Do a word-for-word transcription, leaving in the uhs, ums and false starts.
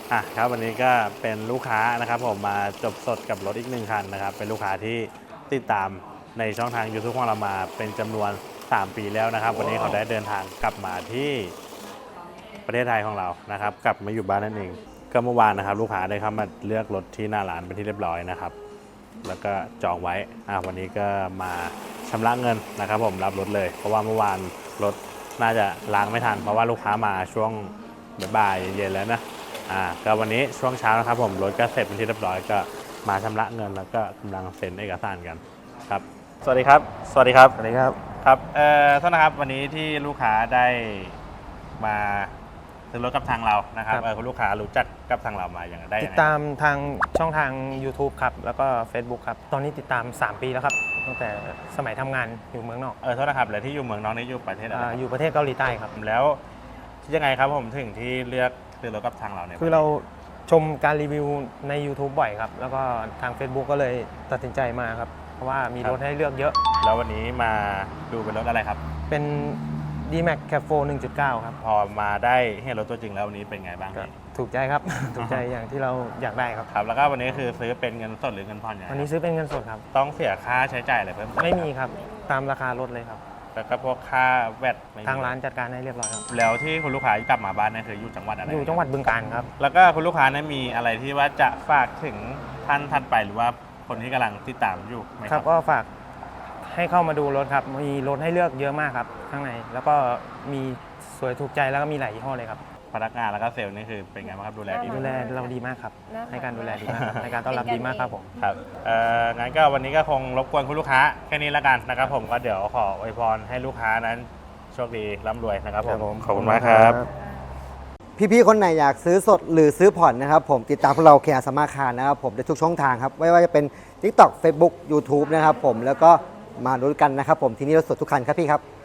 อ่ะครับวันนี้ก็เป็นลูกค้านะครับผมมาจบสดกับรถอีกหนึ่งคันนะครับเป็นลูกค้าที่ติดตามในช่องทาง YouTube ของเรามาเป็นจำนวนสามปีแล้วนะครับ วันนี้เขาได้เดินทางกลับมาที่ประเทศไทยของเรานะครับกลับมาอยู่บ้านนั่นเองก็เมื่อวานนะครับลูกค้าได้เข้ามาเลือกรถที่หน้าร้านเป็นที่เรียบร้อยนะครับแล้วก็จองไว้อ่ะวันนี้ก็มาชำระเงินนะครับผมรับรถเลยเพราะว่าเมื่อวานรถน่าจะล้างไม่ทันเพราะว่าลูกค้ามาช่วงบ่ายๆเย็นๆแล้วนะอ่าก็วันนี้ช่วงเช้านะครับผมรถก็เสร็จเป็นที่เรียบร้อยก็มาชำระเงินแล้วก็กำลังเซ็นเอกสารกันครับสวัสดีครับสวัสดีครับสวัสดีครับครับเอ่อโทษนะครับวันนี้ที่ลูกค้าได้มาซื้อรถกับทางเรานะครับครับเออคุณลูกค้ารู้จักกับทางเรามาอย่างไรได้ติยัดงไงตามทางช่องทาง YouTube ครับ แล้วก็ Facebook ครับ ตอนนี้ติดตาม สาม ปีแล้วครับ ตั้งแต่สมัยทำงานอยู่เมืองนอกเออโทษนะครับแล้วที่อยู่เมืองน้องนี่อยู่ประเทศอะไรอาครับอยู่ประเทศเกาหลีใต้ครับแล้วยังไงครับผมถึงที่เลือกซื้อรถกับทางเราเนี่ยคือเราชมการรีวิวใน YouTube บ่อยครับ แล้วก็ทาง Facebook ก็เลยตัดสินใจมาครับ เพราะว่ามีรถให้เลือกเยอะแล้ววันนี้มาดูเป็นรถอะไรครับเป็น ดี แม็ก Cab โฟร์ หนึ่งจุดเก้า ครับพอมาได้เห็นรถตัวจริงแล้ววันนี้เป็นไงบ้างก็พี่ถูกใจครับ ถูกใจอย่างที่เราอยากได้ครับครับแล้วก็วันนี้คือซื้อเป็นเงินสดหรือเงินผ่อนยังไงวันนี้ซื้อเป็นเงินสดครับต้องเสียค่าใช้จ่ายอะไรเพิ่มเติไม่มีครับ ตามราคารถเลยครับแล้วก็พวกค่าแวดไม่มีทางร้านจัดการให้เรียบร้อยครับแล้วที่คุณลูกค้ากลับมาบ้านเนี่ยคืออยู่จังหวัดอะไรอยู่จังหวัดบึงกาฬครับแล้วก็คุณลูกค้าเนี่ยมีอะไรที่ว่าจะฝากถึงท่านถัดไปหรือว่าคนที่กำลังติดตามอยู่ไหมคครัรับบ ก็ฝากให้เข้ามาดูรถครับ มีรถให้เลือกเยอะมากครับข้างใน แล้วก็มีสวยถูกใจแล้วก็มีหลายยี่ห้อเลยครับพนักงานแล้วก็เซลล์นี่คือเป็นไงบ้างครับดูแลดีไหมดูแลเราดีมากครับน่ารักให้การดูแลดีมากครับให้การต้อนรับดีมากครับผมครับเอ่องั้นก็วันนี้ก็คงรบกวนคุณลูกค้าแค่นี้แล้วกันนะครับผมก็เดี๋ยวขออวยพรให้ลูกค้านั้นโชคดีร่ำรวยนะครับผมขอบคุณมากครับพี่ๆ คนไหนอยากซื้อสดหรือซื้อผ่อนนะครับผมติดตามพวกเราเคียร์สมาคารนะครับผมในทุกช่องทางครับไม่ว่าจะเป็น TikTok Facebook YouTube นะครับผมแล้วก็มาดูกันนะครับผมที่นี่รถสดทุกคันครับพี่ครับ